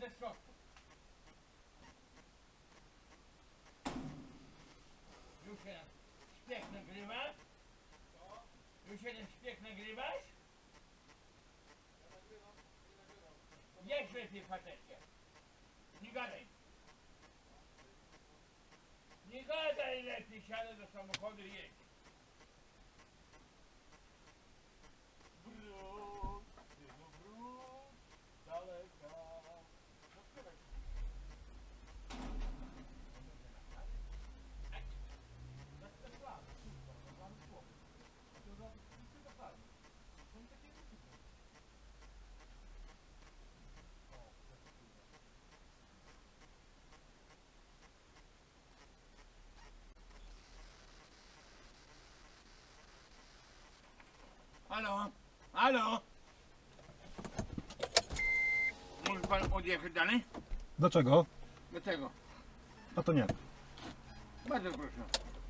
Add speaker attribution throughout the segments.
Speaker 1: ze środku. Już jeden szpieg nagrywa? Już jeden szpieg nagrywasz? Jedź lepiej, facecie. Nie gadaj. Nie gadaj lepiej, siadaj do samochodu i jedź. Brud, tylko brud, daleka. No śpiewaj. Halo? Halo? Może pan odjechać dalej?
Speaker 2: Dlaczego?
Speaker 1: Dlaczego?
Speaker 2: A to nie.
Speaker 1: Bardzo proszę.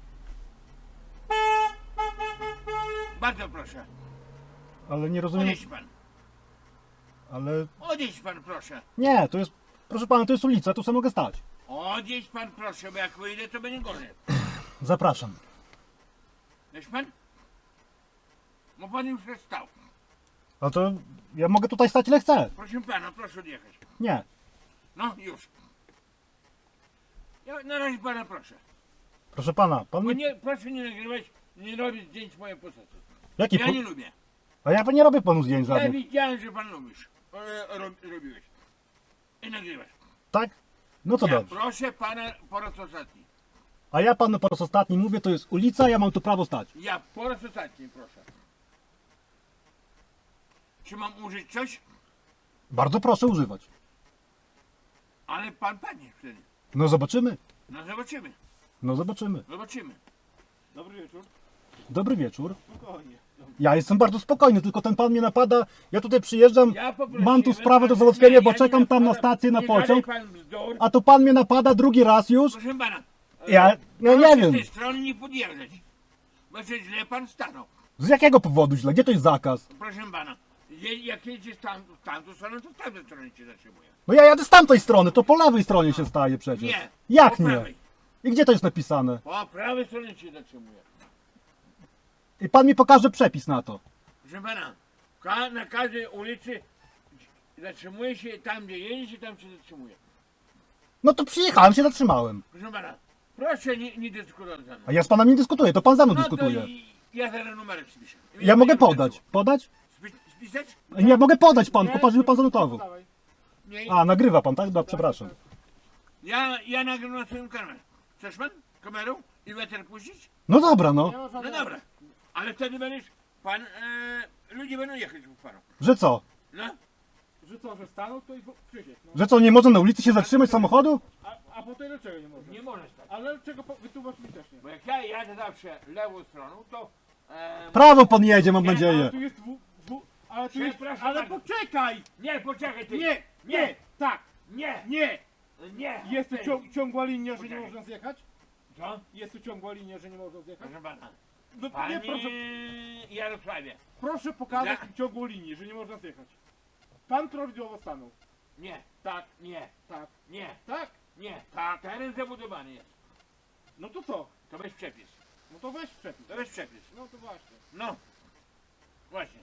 Speaker 1: Bardzo proszę.
Speaker 2: Ale nie rozumiem.
Speaker 1: Odjedź pan.
Speaker 2: Ale
Speaker 1: Odjedź pan proszę.
Speaker 2: nie, to jest. Proszę pana, to jest ulica, tu sobie mogę stać.
Speaker 1: Odjedź pan proszę, bo jak wyjdę to będzie gorzej.
Speaker 2: Zapraszam.
Speaker 1: Wiesz pan? Bo pan już jest stał.
Speaker 2: A to ja mogę tutaj stać ile chcę.
Speaker 1: Proszę pana, proszę odjechać.
Speaker 2: Nie.
Speaker 1: No już. Ja na razie pana proszę.
Speaker 2: Proszę pana, pan
Speaker 1: Bo
Speaker 2: mi...
Speaker 1: nie, proszę nie nagrywać, nie robić zdjęć mojej postaci.
Speaker 2: Jaki
Speaker 1: Ja
Speaker 2: po...
Speaker 1: nie lubię.
Speaker 2: A ja nie robię panu zdjęć
Speaker 1: Ja
Speaker 2: żadnych.
Speaker 1: widziałem, że pan lubisz. Robiłeś. I nagrywasz.
Speaker 2: Tak? No to
Speaker 1: Ja
Speaker 2: dobrze.
Speaker 1: proszę pana po raz ostatni.
Speaker 2: A ja panu po raz ostatni mówię, to jest ulica, ja mam tu prawo stać.
Speaker 1: Ja po raz ostatni proszę. Czy mam użyć coś?
Speaker 2: Bardzo proszę używać.
Speaker 1: Ale pan panie wtedy.
Speaker 2: No zobaczymy.
Speaker 1: No zobaczymy.
Speaker 2: No zobaczymy.
Speaker 1: Zobaczymy.
Speaker 3: Dobry wieczór.
Speaker 2: Dobry wieczór.
Speaker 3: Spokojnie.
Speaker 2: Ja jestem bardzo spokojny, tylko ten pan mnie napada. Ja tutaj przyjeżdżam,
Speaker 1: Ja poprosiłem,
Speaker 2: mam tu sprawę do
Speaker 1: pan-
Speaker 2: załatwienia,
Speaker 1: nie,
Speaker 2: bo
Speaker 1: ja
Speaker 2: czekam
Speaker 1: nie
Speaker 2: tam na
Speaker 1: napadam.
Speaker 2: stację, na
Speaker 1: Nie gadaj
Speaker 2: pociąg.
Speaker 1: pan bzdur.
Speaker 2: A tu pan mnie napada drugi raz już.
Speaker 1: Proszę pana.
Speaker 2: Ja nie
Speaker 1: proszę
Speaker 2: wiem.
Speaker 1: z tej strony nie podjeżdżać. Bo się źle pan stanął.
Speaker 2: Z jakiego powodu źle? Gdzie to jest zakaz?
Speaker 1: Proszę pana. Jak jedziesz w tamtą stronę, to w tamtej stronie cię zatrzymuje.
Speaker 2: No ja jadę z tamtej strony, to po lewej stronie się staje przecież.
Speaker 1: Nie.
Speaker 2: Jak
Speaker 1: po
Speaker 2: nie?
Speaker 1: prawej.
Speaker 2: I gdzie to jest napisane?
Speaker 1: Po prawej stronie cię zatrzymuje.
Speaker 2: I pan mi pokaże przepis na to.
Speaker 1: Proszę pana. Na każdej ulicy zatrzymuje się tam, gdzie jedzie, tam się zatrzymuje.
Speaker 2: No to przyjechałem, się zatrzymałem.
Speaker 1: Proszę pana. Proszę nie dyskutować ze mną.
Speaker 2: A ja z panem nie dyskutuję, to pan ze mną
Speaker 1: No
Speaker 2: dyskutuje.
Speaker 1: to ja zaraz numerek spiszę.
Speaker 2: Ja mogę podać. Podać?
Speaker 1: Spisać?
Speaker 2: Nie, mogę podać pan,
Speaker 3: Nie,
Speaker 2: popatrz, żeby pan zanotował.
Speaker 3: Dawaj.
Speaker 1: Nie.
Speaker 2: A, nagrywa pan, tak? Dobra, przepraszam.
Speaker 1: Ja nagram na swoim kanale. Chcesz pan? Kamerą? I weter puścić?
Speaker 2: No dobra, no.
Speaker 3: Nie ma
Speaker 1: No
Speaker 3: żadnego-
Speaker 1: dobra. Ale wtedy będziesz pan... ludzie będą jechać po panu.
Speaker 2: Że co?
Speaker 1: No.
Speaker 3: Że co, że stanął to i Krzysiek. No.
Speaker 2: Że co, nie można na ulicy się zatrzymać samochodu?
Speaker 3: A potem dlaczego nie może?
Speaker 1: Nie możesz tak.
Speaker 3: Ale czego wytłumacz mi też nie.
Speaker 1: Bo jak ja jadę zawsze lewą stroną, to...
Speaker 2: Prawo pan jedzie, mam
Speaker 1: Nie,
Speaker 3: Ale
Speaker 2: nadzieję.
Speaker 3: tu jest ale tu jest...
Speaker 1: Przepraszam
Speaker 3: Ale
Speaker 1: bardzo.
Speaker 3: poczekaj!
Speaker 1: Nie, poczekaj ty.
Speaker 3: Nie, nie, tak,
Speaker 1: Nie.
Speaker 3: nie!
Speaker 1: Nie.
Speaker 3: Jest tu
Speaker 1: Ty.
Speaker 3: ciągła linia, że nie
Speaker 1: Poczekaj.
Speaker 3: można zjechać?
Speaker 1: Co?
Speaker 3: Jest tu ciągła linia, że nie można zjechać?
Speaker 1: Proszę pana.
Speaker 3: No to nie,
Speaker 1: Panie
Speaker 3: proszę,
Speaker 1: Jarosławie.
Speaker 3: proszę pokazać
Speaker 1: Za-
Speaker 3: mi ciągłą linię, że nie można zjechać. Pan prawidłowo stanął.
Speaker 1: Nie.
Speaker 3: Tak,
Speaker 1: Nie.
Speaker 3: tak,
Speaker 1: Nie.
Speaker 3: tak.
Speaker 1: Nie. Tak. Teren zabudowany jest.
Speaker 3: No to co?
Speaker 1: To weź przepis.
Speaker 3: No to weź przepis.
Speaker 1: To weź przepis.
Speaker 3: No to właśnie.
Speaker 1: No. Właśnie.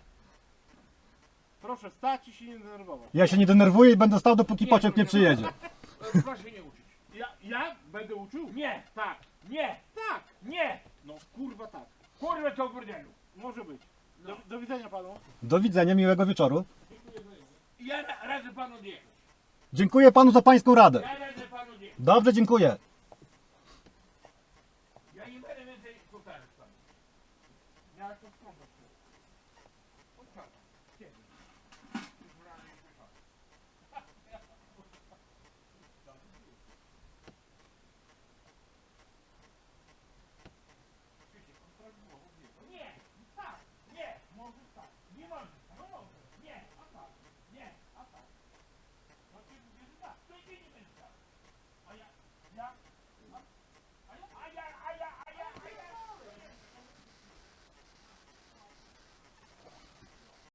Speaker 3: Proszę stać i się nie denerwować.
Speaker 2: Ja się nie denerwuję i będę stał, dopóki
Speaker 1: Nie,
Speaker 2: pociąg nie
Speaker 1: proszę
Speaker 2: przyjedzie.
Speaker 1: Proszę nie uczyć.
Speaker 3: Ja będę uczył?
Speaker 1: Nie.
Speaker 3: Tak,
Speaker 1: Nie.
Speaker 3: tak.
Speaker 1: Nie.
Speaker 3: No kurwa tak.
Speaker 1: Kurwa to w burdelu.
Speaker 3: Może być.
Speaker 1: No.
Speaker 3: Do widzenia panu.
Speaker 2: Do widzenia, miłego wieczoru.
Speaker 1: Ja radzę panu odjechać.
Speaker 2: Dziękuję panu za pańską radę.
Speaker 1: Ja radzę panu odjechać.
Speaker 2: Dobrze, dziękuję.
Speaker 1: Ja nie będę więcej powtarzać panu.
Speaker 3: Ja to sprawdzę.
Speaker 1: Powtarzam.